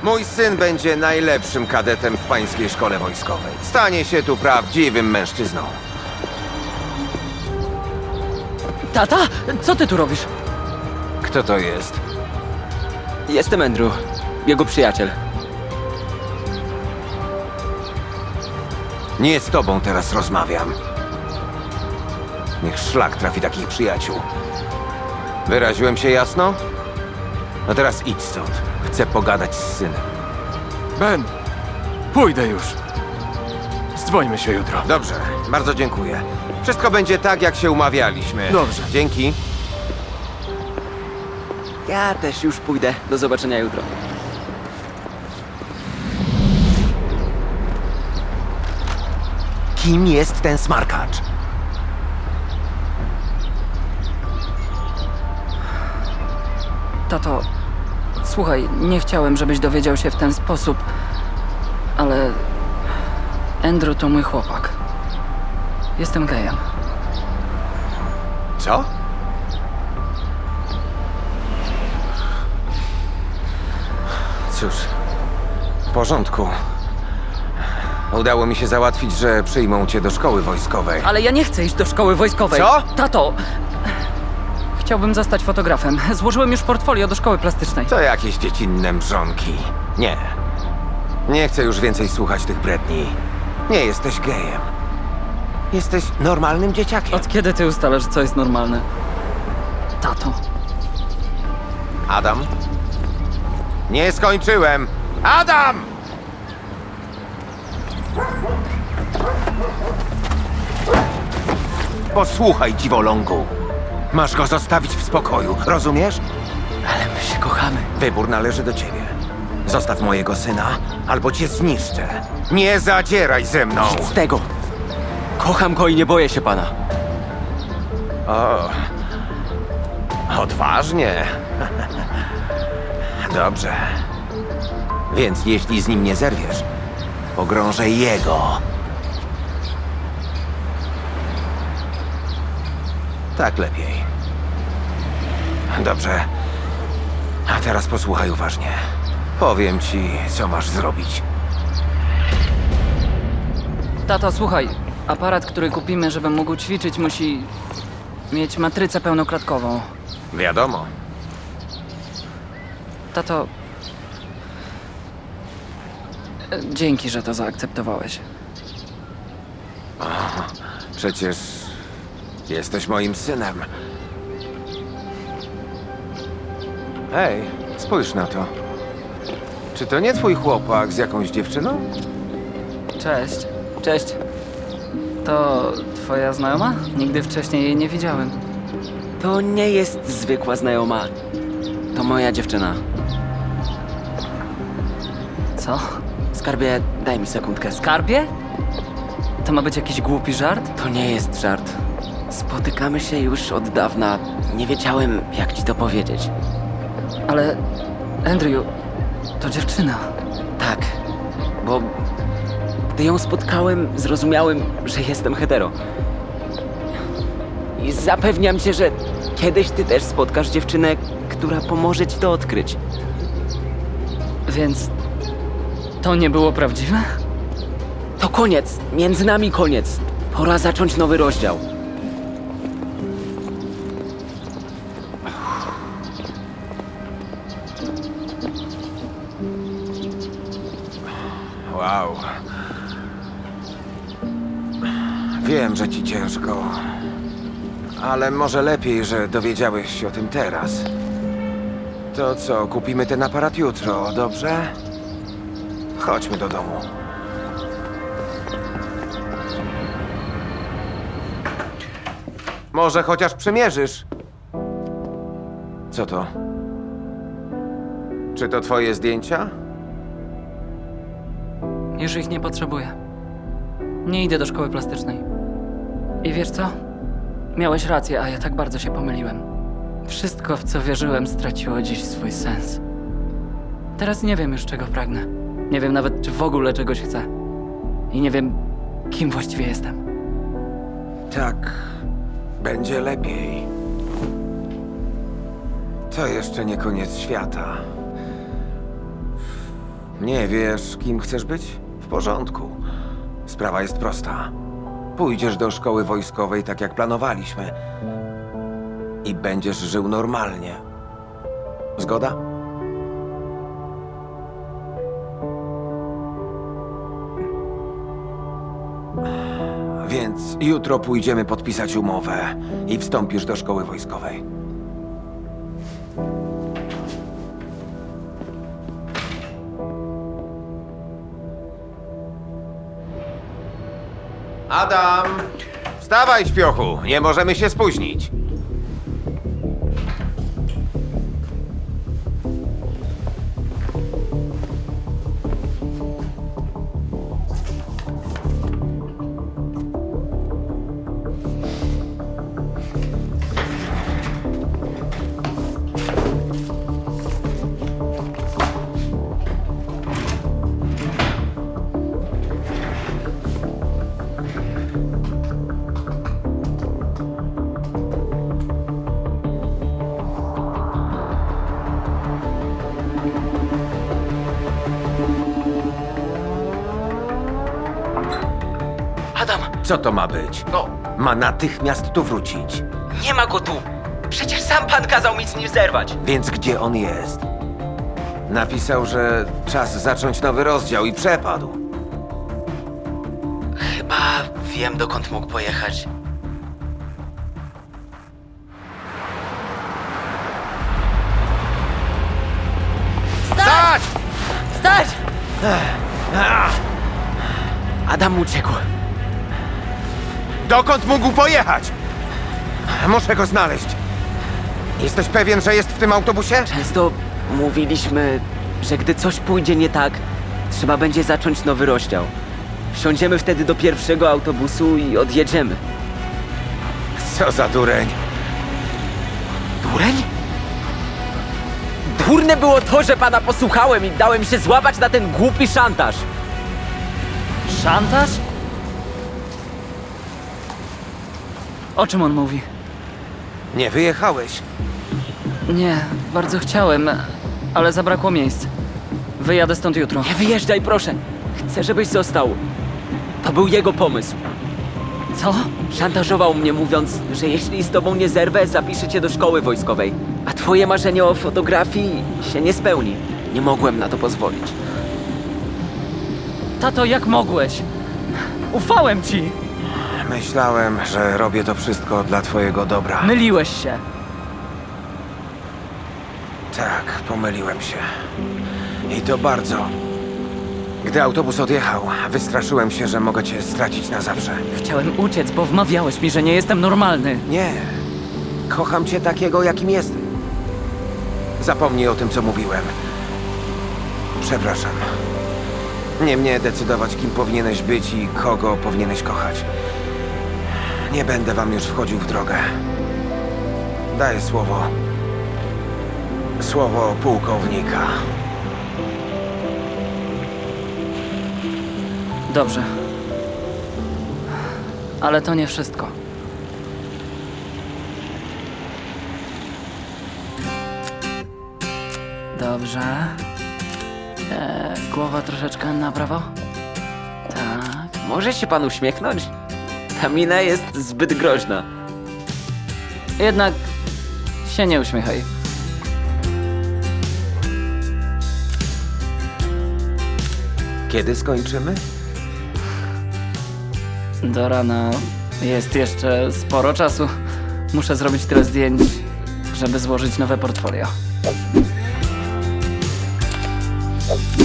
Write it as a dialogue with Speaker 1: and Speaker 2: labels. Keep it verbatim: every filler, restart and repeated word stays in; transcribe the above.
Speaker 1: Mój syn będzie najlepszym kadetem w pańskiej szkole wojskowej. Stanie się tu prawdziwym mężczyzną.
Speaker 2: Tata? Co ty tu robisz?
Speaker 1: Kto to jest?
Speaker 2: Jestem Andrew, jego przyjaciel.
Speaker 1: Nie z tobą teraz rozmawiam. Niech szlak trafi takich przyjaciół. Wyraziłem się jasno? No teraz idź stąd. Chcę pogadać z synem.
Speaker 3: Ben, pójdę już. Zdwońmy się jutro.
Speaker 1: Dobrze, bardzo dziękuję. Wszystko będzie tak, jak się umawialiśmy.
Speaker 3: Dobrze.
Speaker 1: Dzięki.
Speaker 2: Ja też już pójdę. Do zobaczenia jutro.
Speaker 1: Kim jest ten smarkacz?
Speaker 4: Tato, słuchaj, nie chciałem, żebyś dowiedział się w ten sposób, ale Andrew to mój chłopak. Jestem gejem.
Speaker 1: Co? Cóż, w porządku. Udało mi się załatwić, że przyjmą cię do szkoły wojskowej.
Speaker 4: Ale ja nie chcę iść do szkoły wojskowej.
Speaker 1: Co?
Speaker 4: Tato! Chciałbym zostać fotografem. Złożyłem już portfolio do szkoły plastycznej.
Speaker 1: To jakieś dziecinne mrzonki. Nie. Nie chcę już więcej słuchać tych bredni. Nie jesteś gejem. Jesteś normalnym dzieciakiem.
Speaker 4: Od kiedy ty ustalasz, co jest normalne? Tato.
Speaker 1: Adam? Nie skończyłem! Adam! Posłuchaj, dziwolągu. Masz go zostawić w spokoju, rozumiesz?
Speaker 2: Ale my się kochamy.
Speaker 1: Wybór należy do ciebie. Zostaw mojego syna, albo cię zniszczę. Nie zadzieraj ze mną!
Speaker 2: Z tego. Kocham go i nie boję się pana.
Speaker 1: O, odważnie. Dobrze. Więc jeśli z nim nie zerwiesz, pogrążę jego. Tak lepiej. Dobrze. A teraz posłuchaj uważnie. Powiem ci, co masz zrobić.
Speaker 4: Tato, słuchaj. Aparat, który kupimy, żebym mógł ćwiczyć, musi mieć matrycę pełnoklatkową.
Speaker 1: Wiadomo.
Speaker 4: Tato... e, Dzięki, że to zaakceptowałeś.
Speaker 1: Przecież jesteś moim synem. Hej, spójrz na to. Czy to nie twój chłopak z jakąś dziewczyną?
Speaker 4: Cześć. Cześć. To twoja znajoma? Nigdy wcześniej jej nie widziałem.
Speaker 2: To nie jest zwykła znajoma. To moja dziewczyna.
Speaker 4: Co?
Speaker 2: Skarbie, daj mi sekundkę.
Speaker 4: Skarbie? To ma być jakiś głupi żart?
Speaker 2: To nie jest żart. Spotykamy się już od dawna. Nie wiedziałem, jak ci to powiedzieć.
Speaker 4: Ale... Andrew... To dziewczyna.
Speaker 2: Tak, bo gdy ją spotkałem, zrozumiałem, że jestem hetero. I zapewniam cię, że kiedyś ty też spotkasz dziewczynę, która pomoże ci to odkryć.
Speaker 4: Więc... To nie było prawdziwe?
Speaker 2: To koniec, między nami koniec. Pora zacząć nowy rozdział.
Speaker 1: Wow. Wiem, że ci ciężko. Ale może lepiej, że dowiedziałeś się o tym teraz. To co, kupimy ten aparat jutro, dobrze? Chodźmy do domu. Może chociaż przymierzysz? Co to? Czy to twoje zdjęcia?
Speaker 4: Już ich nie potrzebuję. Nie idę do szkoły plastycznej. I wiesz co? Miałeś rację, a ja tak bardzo się pomyliłem. Wszystko, w co wierzyłem, straciło dziś swój sens. Teraz nie wiem już, czego pragnę. Nie wiem nawet, czy w ogóle czegoś chcę. I nie wiem, kim właściwie jestem.
Speaker 1: Tak, będzie lepiej. To jeszcze nie koniec świata. Nie wiesz, kim chcesz być? W porządku. Sprawa jest prosta. Pójdziesz do szkoły wojskowej tak jak planowaliśmy. I będziesz żył normalnie. Zgoda? Więc jutro pójdziemy podpisać umowę i wstąpisz do szkoły wojskowej. Adam! Wstawaj, śpiochu! Nie możemy się spóźnić.
Speaker 2: Adam,
Speaker 1: Co to ma być?
Speaker 2: no,
Speaker 1: Ma natychmiast tu wrócić.
Speaker 2: nie ma go tu. Przecież sam pan kazał mi z nim zerwać.
Speaker 1: Więc gdzie on jest? Napisał, że czas zacząć nowy rozdział i przepadł.
Speaker 2: Chyba wiem, dokąd mógł pojechać.
Speaker 1: Stać!
Speaker 2: Stać! Adam uciekł.
Speaker 1: Dokąd mógł pojechać? Muszę go znaleźć. Jesteś pewien, że jest w tym autobusie?
Speaker 2: Często mówiliśmy, że gdy coś pójdzie nie tak, trzeba będzie zacząć nowy rozdział. Wsiądziemy wtedy do pierwszego autobusu i odjedziemy.
Speaker 1: Co za dureń.
Speaker 2: Dureń? Durne było to, że pana posłuchałem i dałem się złapać na ten głupi szantaż.
Speaker 4: Szantaż? O czym on mówi?
Speaker 1: Nie wyjechałeś.
Speaker 4: Nie, bardzo chciałem, ale zabrakło miejsc. Wyjadę stąd jutro.
Speaker 2: Nie wyjeżdżaj, proszę. Chcę, żebyś został. To był jego pomysł.
Speaker 4: Co?
Speaker 2: Szantażował mnie, mówiąc, że jeśli z tobą nie zerwę, zapiszę cię do szkoły wojskowej. A twoje marzenie o fotografii się nie spełni. Nie mogłem na to pozwolić.
Speaker 4: Tato, jak mogłeś? Ufałem ci!
Speaker 1: Myślałem, że robię to wszystko dla twojego dobra.
Speaker 4: Myliłeś się.
Speaker 1: Tak, pomyliłem się. I to bardzo. Gdy autobus odjechał, wystraszyłem się, że mogę cię stracić na zawsze.
Speaker 4: Chciałem uciec, bo wmawiałeś mi, że nie jestem normalny.
Speaker 1: Nie. Kocham cię takiego, jakim jesteś. Zapomnij o tym, co mówiłem. Przepraszam. Nie mnie decydować, kim powinieneś być i kogo powinieneś kochać. Nie będę wam już wchodził w drogę. Daję słowo. Słowo pułkownika.
Speaker 4: Dobrze. Ale to nie wszystko. Dobrze. Eee, głowa troszeczkę na prawo? Tak.
Speaker 2: Może się pan uśmiechnąć? Ta mina jest zbyt groźna.
Speaker 4: Jednak się nie uśmiechaj.
Speaker 1: Kiedy skończymy?
Speaker 4: Do rana jest jeszcze sporo czasu. Muszę zrobić tyle zdjęć, żeby złożyć nowe portfolio.